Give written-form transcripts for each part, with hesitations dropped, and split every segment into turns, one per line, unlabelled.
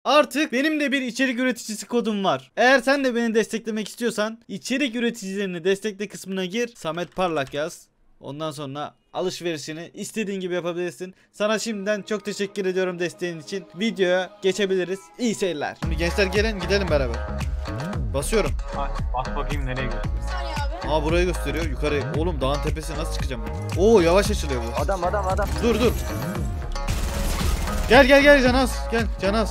Artık benim de bir içerik üreticisi kodum var. Eğer sen de beni desteklemek istiyorsan içerik üreticilerini destekle kısmına gir. Samet Parlak yaz. Ondan sonra alışverişini istediğin gibi yapabilirsin. Sana şimdiden çok teşekkür ediyorum desteğin için. Videoya geçebiliriz. İyi seyirler. Şimdi gençler gelin gidelim beraber. Basıyorum.
Bas bakayım nereye gidiyor.
Bir saniye abi.
Aa burayı gösteriyor. Yukarı. Oğlum dağın tepesine nasıl çıkacağım ben? Oo yavaş açılıyor bu.
Adam.
Dur. Gel Canaz. Gel Canaz.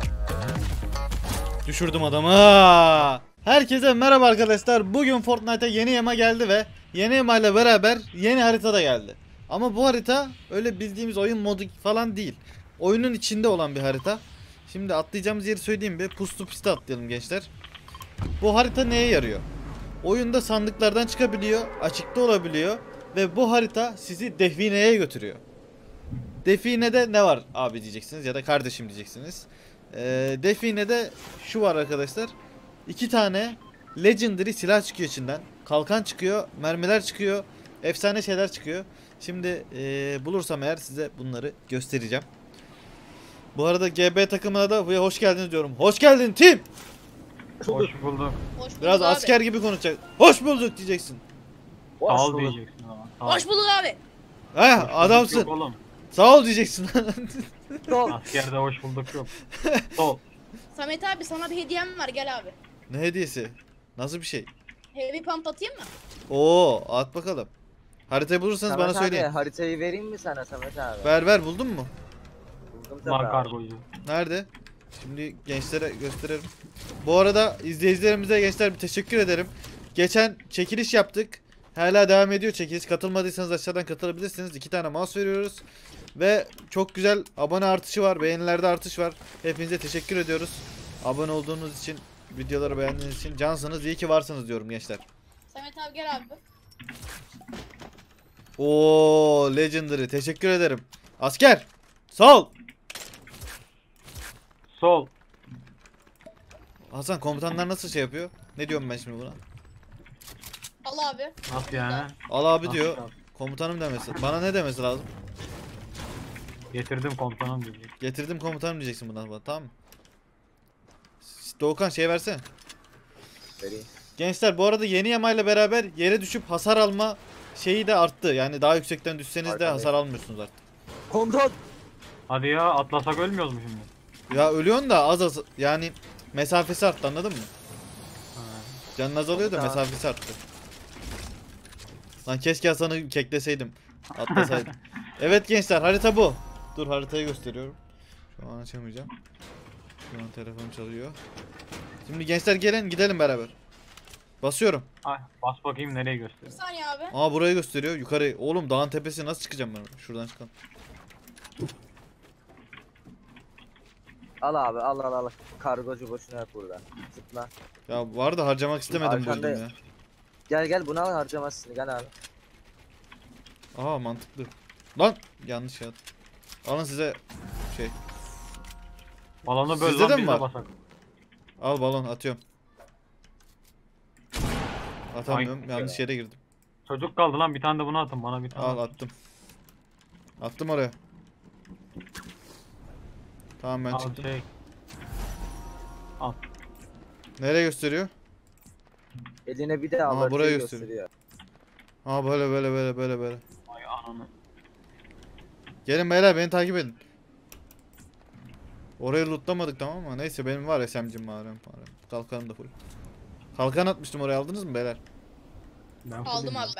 Düşürdüm adamı. Herkese merhaba arkadaşlar. Bugün Fortnite'a yeni yama geldi ve yeni yama ile beraber yeni harita da geldi. Ama bu harita öyle bildiğimiz oyun modu falan değil. Oyunun içinde olan bir harita. Şimdi atlayacağımız yeri söyleyeyim bir. Puslu piste atlayalım gençler. Bu harita neye yarıyor? Oyunda sandıklardan çıkabiliyor, açıkta olabiliyor ve bu harita sizi defineye götürüyor. Definede ne var abi diyeceksiniz ya da kardeşim diyeceksiniz. Definede şu var arkadaşlar. 2 tane legendary silah çıkıyor içinden. Kalkan çıkıyor, mermiler çıkıyor, efsane şeyler çıkıyor. Şimdi bulursam eğer size bunları göstereceğim. Bu arada GB takımına da buraya hoş geldiniz diyorum. Hoş geldin tim.
Hoş bulduk.
Hoş bulduk
Biraz
abi.
asker gibi konuşacak. Hoş bulduk diyeceksin.
Sağ ol diyeceksin ama. Sağ ol.
Hoş bulduk abi.
Heh adamsın.
Yok oğlum.
Sağ ol diyeceksin.
Askerde hoş bulduk yok. Sol.
Samet abi sana bir hediyem var, gel abi.
Ne hediyesi? Nasıl bir şey?
Heavy pump atayım mı?
Oo at bakalım. Haritayı bulursanız
Samet
bana
abi,
söyleyin.
haritayı vereyim mi sana Samet abi?
Ver buldun mu?
Buldum tabii
Var
abi.
kargocu.
Nerede? Şimdi gençlere gösterelim. Bu arada izleyicilerimize gençler bir teşekkür ederim. Geçen çekiliş yaptık. Hala devam ediyor çekiliş. Katılmadıysanız aşağıdan katılabilirsiniz. 2 tane mouse veriyoruz. Ve çok güzel abone artışı var. Beğenilerde artış var. Hepinize teşekkür ediyoruz. Abone olduğunuz için, videoları beğendiğiniz için cansınız. İyi ki varsınız diyorum gençler.
Samet abi gel abi.
Oo legendary. Teşekkür ederim. Asker. Sağ ol.
Sol.
Hasan komutanlar nasıl şey yapıyor? Ne diyorum ben şimdi buna?
Al abi.
Nasıl yani?
Al abi
Nasıl
diyor.
abi?
Komutanım demesi. Bana ne demesi lazım?
Getirdim komutanım diyecek.
Getirdim komutanım diyeceksin bundan sonra, tamam mı? Doğukan şey versene.
Vereyim.
Gençler bu arada yeni yamayla beraber yere düşüp hasar alma şeyi de arttı. Yani daha yüksekten düşseniz de
Arkadayım.
hasar almıyorsunuz artık.
Komutan.
Hadi ya atlasak ölmüyoruz mu şimdi?
Ya ölüyorsun da az yani mesafesi arttı, anladın mı?
Ha.
Canın azalıyor da
Komutan.
mesafesi arttı. Lan keşke Hasan'ı kekleseydim. Atlasaydım. Evet gençler harita bu. Dur haritayı gösteriyorum. Şu an açamayacağım. Şu an telefon çalıyor. Şimdi gençler gelin gidelim beraber. Basıyorum.
Ay, bas bakayım nereye
Bir
gösteriyor.
saniye abi.
Aa burayı gösteriyor. Yukarı. Oğlum dağın tepesine nasıl çıkacağım ben? Şuradan çıkalım.
Al abi al. Kargocu boşuna yok burada. Zıpla.
Ya var da harcamak istemedim bu
Arkanda-
yüzden ya.
Gel bunu al harcamazsın gel abi.
Aa mantıklı. Lan yanlış ya. Alın size şey.
Balonu böl
Sizde
lan
de mi
biz de
var?
basak.
Al balon atıyorum. Atamıyorum.
Ay.
Yanlış yere girdim.
Çocuk kaldı lan bir tane de bunu atın bana bir tane.
Al
at.
attım. Attım oraya. Tamam ben
Al
çıktım.
şey. Al.
Nereye gösteriyor?
Eline bir de al.
Ama
haritayı
buraya gösteriyor. Aa böyle.
Ay ananı.
Gelin beyler beni takip edin. Orayı lootlamadık tamam mı? Neyse benim var SMG'm var. Kalkanım da full. Kalkan atmıştım oraya, aldınız mı beyler?
Ben
Aldım
fullüm
abi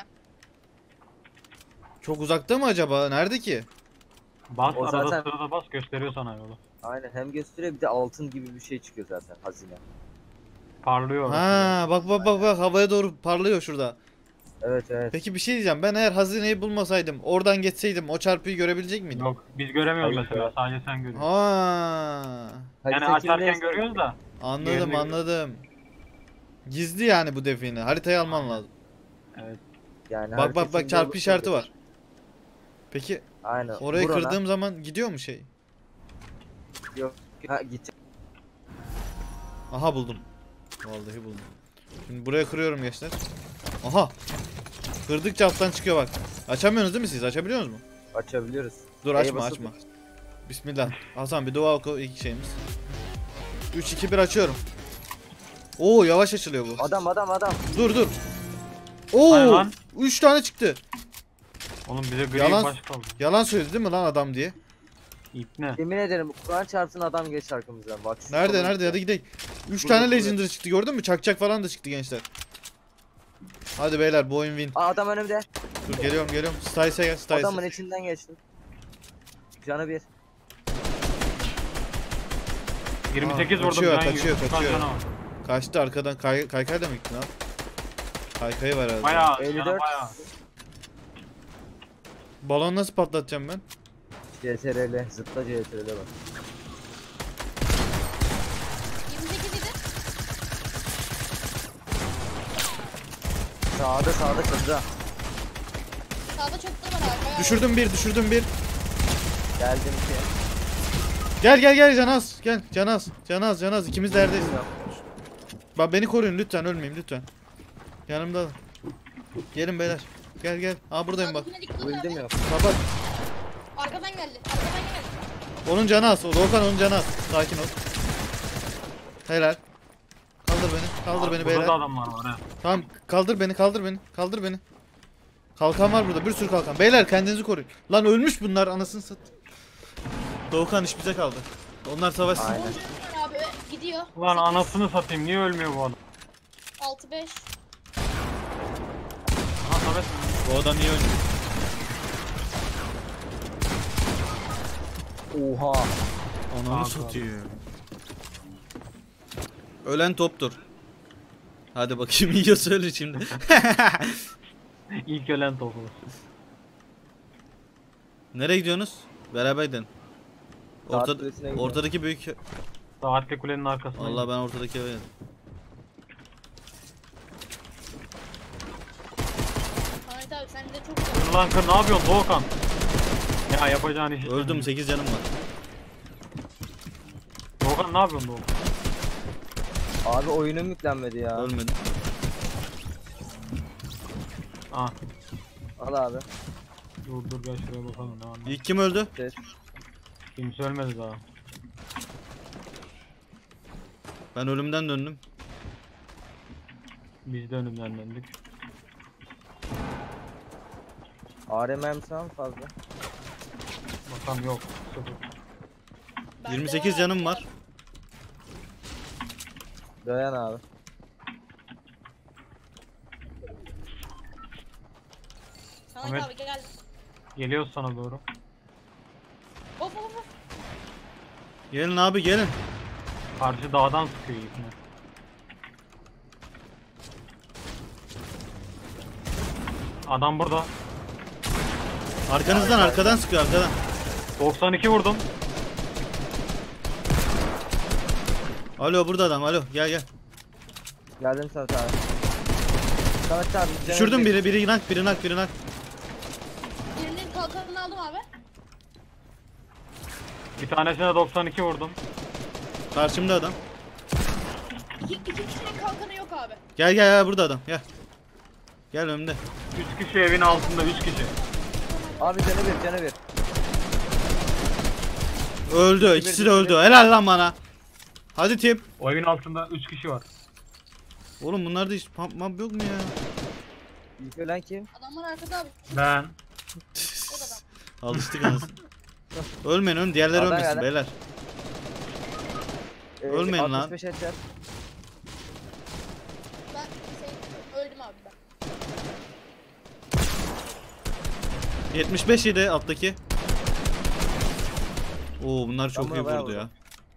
ya.
ben.
Çok uzakta mı acaba? Nerede ki?
Bas
O
arada
zaten-
sırada bas gösteriyor sana yolu.
Aynen hem gösteriyor bir de altın gibi bir şey çıkıyor zaten hazine.
Parlıyor orası.
Ha bak havaya doğru parlıyor şurada.
Evet.
Peki bir şey diyeceğim. Ben eğer hazineyi bulmasaydım, oradan geçseydim o çarpıyı görebilecek miydim?
Yok biz göremiyoruz
Hayır,
mesela
ya.
sadece sen görüyorsun.
Ha.
Yani
Harita
açarken
kimde?
görüyoruz da.
Anladım
Yerini
anladım. Gizli yani bu define. Haritayı alman lazım.
Evet.
Yani
Bak
harita kimde
çarpı
olursa
işareti
olur.
var. Peki
Aynen.
orayı
Vur ona.
kırdığım zaman gidiyor mu şey?
Yok. Ha git.
Aha buldum. Vallahi buldum. Şimdi buraya kırıyorum gençler. Aha. Kırdıkça alttan çıkıyor bak. Açamıyorsunuz değil mi siz? Açabiliyor musunuz mu?
Açabiliyoruz.
Dur
Neye
açma
basılı
açma.
tut.
Bismillah. Hasan bir dua oku ilk şeyimiz. 3 2 1 açıyorum. Oo yavaş açılıyor bu.
Adam.
Dur.
Hayır
Oo
lan.
3 tane çıktı.
Oğlum bize gri
Yalan-
baş kaldı.
Yalan söyledi değil mi lan adam diye?
İp ne?
Yemin ederim Kur'an çarpsın adam geç arkamızdan. Bak şu
Nerede
solun-
nerede hadi gidelim. 3
Burada,
tane
burada.
Legendary çıktı gördün mü? Çakçak falan da çıktı gençler. Hadi beyler bu oyun win.
Aa, adam önümde.
Dur geliyorum. Stice'e gel
Adamın
Stice'e.
içinden geçtim. Canı bir.
28
Aa,
vurdum.
kaçıyor,
can
kaçıyor,
yiyor.
kaçıyor.
Kan canavar.
Kaçtı arkadan kaykay da mı gitti lan? Kaykayı var herhalde.
Bayağı.
54.
Canı bayağı.
Balon nasıl patlatacağım ben?
CTRL. Zıpla CTRL bak.
28 idi.
Sağda çatıda.
Sağda çöktü var abi. Bayağı
Düşürdüm bir.
Geldim ki.
Gel Canaz ikimiz de yerdeyiz. Bak beni koruyun lütfen ölmeyeyim lütfen. Yanımda. Gelin beyler. Gel. Aa buradayım bak.
Sağdakine dikkat et
Öldüm
abi.
ya.
Kapat.
Arkadan geldi.
Onun canı az. Doğukan onun canı az. Sakin ol. Helal. Kaldır beni
Burada
beyler.
da adamlar var ha.
Tamam kaldır beni. Kalkan var burada bir sürü kalkan. Beyler kendinizi koruyun. Lan ölmüş bunlar anasını sat. Doğukan iş bize kaldı. Onlar savaşsın.
Aynen.
Var abi gidiyor.
Ulan anasını satayım. Niye ölmüyor bu adam?
6-5.
Aha Samet.
Bu adam iyi oynuyor.
Oha.
Ananı
Abi,
satıyor. Ölen toptur. Hadi bakayım iyi söyle şimdi.
İlk ölen topu.
Nereye gidiyorsunuz? Beraber gidelim.
Saat kulesine gidiyorum.
Ortadaki büyük...
Saatli kulenin arkasında.
Vallahi ben ortadaki eve.
Ahmet abi sen de çok güzel.
Kır lan kır ne yapıyorsun Doğukan? Ya yapacağın işi.
Öldüm 8 canım var.
Doğukan ne yapıyorsun Doğukan?
Abi oyunum yüklenmedi ya.
Ölmedim.
Ah
Al abi.
dur gel şuraya bakalım ne var.
İlk kim öldü?
Ses.
Kimse ölmedi daha.
Ben ölümden döndüm.
Biz de önümden döndük.
ARM'm sen fazla.
Bakalım yok. Sıfır.
Bende
28 canım var.
Dayan abi.
Ahmet
Ahmet.
abi gel.
Geliyoruz sana doğru.
Of.
Gelin abi gelin.
Karşı dağdan sıkıyor ipini. Adam burada.
Arkanızdan arkadan sıkıyor arkadan.
92 vurdum.
Alo burada adam alo gel.
Geldim Samet abi. Samet abi.
Düşürdüm biri nak.
Birinin kalkanını aldım abi.
Bir tanesine 92 vurdum.
Karşımda adam.
İki kişinin kalkanı yok abi.
Gel burada adam gel. Gel önümde.
3 kişi evin altında 3 kişi.
Abi canı bir.
Öldü ikisi de öldü. Helal lan bana. Hadi tip.
O evin altında 3 kişi var.
Oğlum bunlarda hiç pump map yok mu ya?
İlk ölen kim?
Adamlar arkada abi.
Ben.
O da adam.
Alıştık anasını. Ölmeyin diğerleri
Adam
ölmesin
geldi.
beyler. Ölmeyin lan.
65 headshot.
Ben öldüm abi ben.
75 yedi alttaki. Oo bunlar çok
Ama
iyi
bayağı
vurdu ya.
vurdu.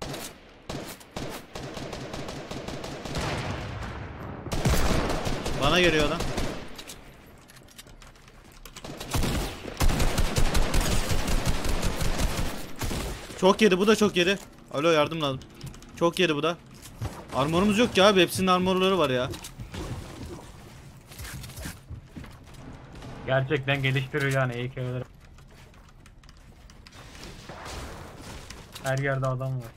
Bana geliyor adam. Çok yedi bu da çok yedi. Alo yardım lazım. Çok yedi bu da. Armorumuz yok ki abi hepsinin armorları var ya.
Gerçekten geliştirir yani EK'leri. Her yerde adam var.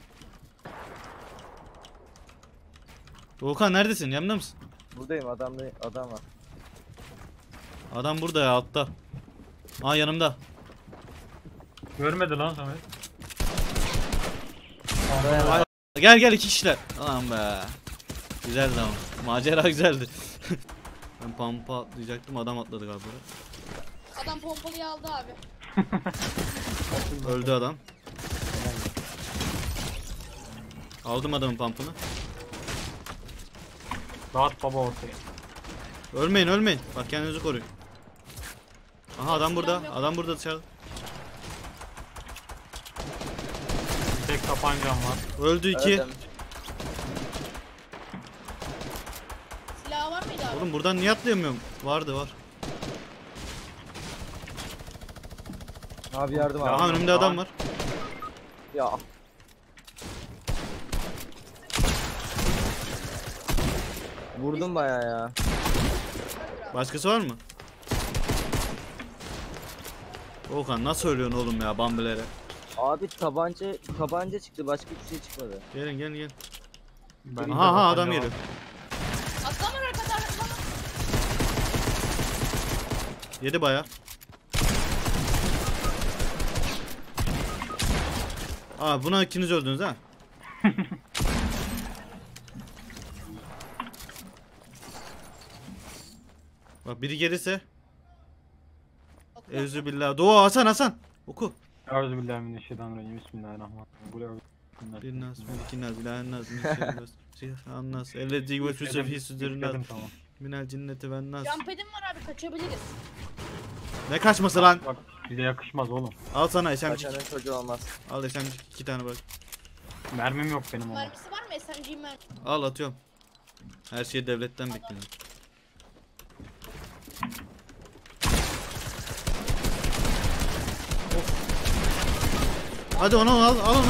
Volkan neredesin? Yanımda mısın?
Buradayım adam var.
Adam burada ya altta. Aa yanımda.
Görmedi lan Samet.
Dayan abi.
Gel gel 2 kişiler. Aman be. Güzeldi ama. Macera güzeldi. Ben pampa atlayacaktım, adam atladı galiba.
Adam pompalıyı aldı abi.
Öldü adam. Aldım adamın pampını.
Dağıt baba ortaya.
Ölmeyin ölmeyin. Bak kendinizi koruyun. Aha adam burada. Adam burada dışarıda.
Bir tek tabancam var.
Öldü 2.
Öldüm.
Silahı var mıydı abi?
Oğlum buradan niye atlayamıyorum? Vardı var.
Abi yardım abi.
Aha önümde adam var.
Ya. Vurdum bayağı ya.
Başkası var mı? Okan nasıl ölüyorsun oğlum ya bambilere?
Abi tabanca çıktı, başka bir şey çıkmadı.
Gelin gelin gelin.
Ben
Aha aha adam geliyor.
Atlama arkada atlama.
Yedi baya. Aa buna ikiniz öldünüz ha. Bak biri gelirse. Euzubillah. Dua Hasan Hasan. Oku.
Euzubillahimineşşeytanirracim. Bismillahirrahmanirrahim.
Binnas, melikinas, ilahennas, minnas, ellezi yuvesüse fi sudurinnas,
Tamam.
minel cinneti ven nas.
Jumpad'im var abi kaçabiliriz.
Ne kaçması lan?
Bak bize yakışmaz oğlum.
Al sana SMG.
Kaçanın çocuğu olmaz.
Al SMG 2 tane bak.
Mermim yok benim ama.
Mermisi var mı? SMG'm mermi.
Al atıyorum. Her şeyi devletten bekliyorum. Hadi onu al onu.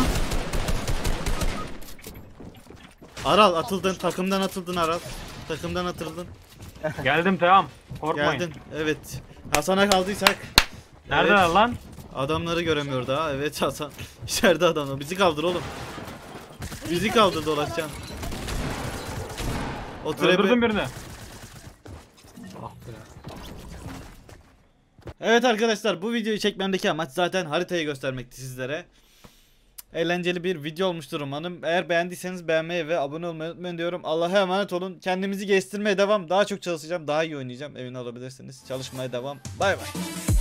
Aral atıldın, takımdan atıldın Aral. Takımdan atıldın.
Geldim tamam. Korkmayın.
Geldin. Evet. Hasan'a kaldıysak.
Neredeler
Evet.
lan?
Adamları göremiyor daha. Evet Hasan. İçeride adamlar. Bizi kaldır oğlum. Bizi kaldır dolaşacaksın. O
Öldürdüm
trepe.
birini. Ah be.
Evet arkadaşlar bu videoyu çekmemdeki amaç zaten haritayı göstermekti sizlere. Eğlenceli bir video olmuştur umarım. Eğer beğendiyseniz beğenmeyi ve abone olmayı unutmayın diyorum. Allah'a emanet olun. Kendimizi geliştirmeye devam. Daha çok çalışacağım. Daha iyi oynayacağım. Emin olabilirsiniz. Çalışmaya devam. Bay bay.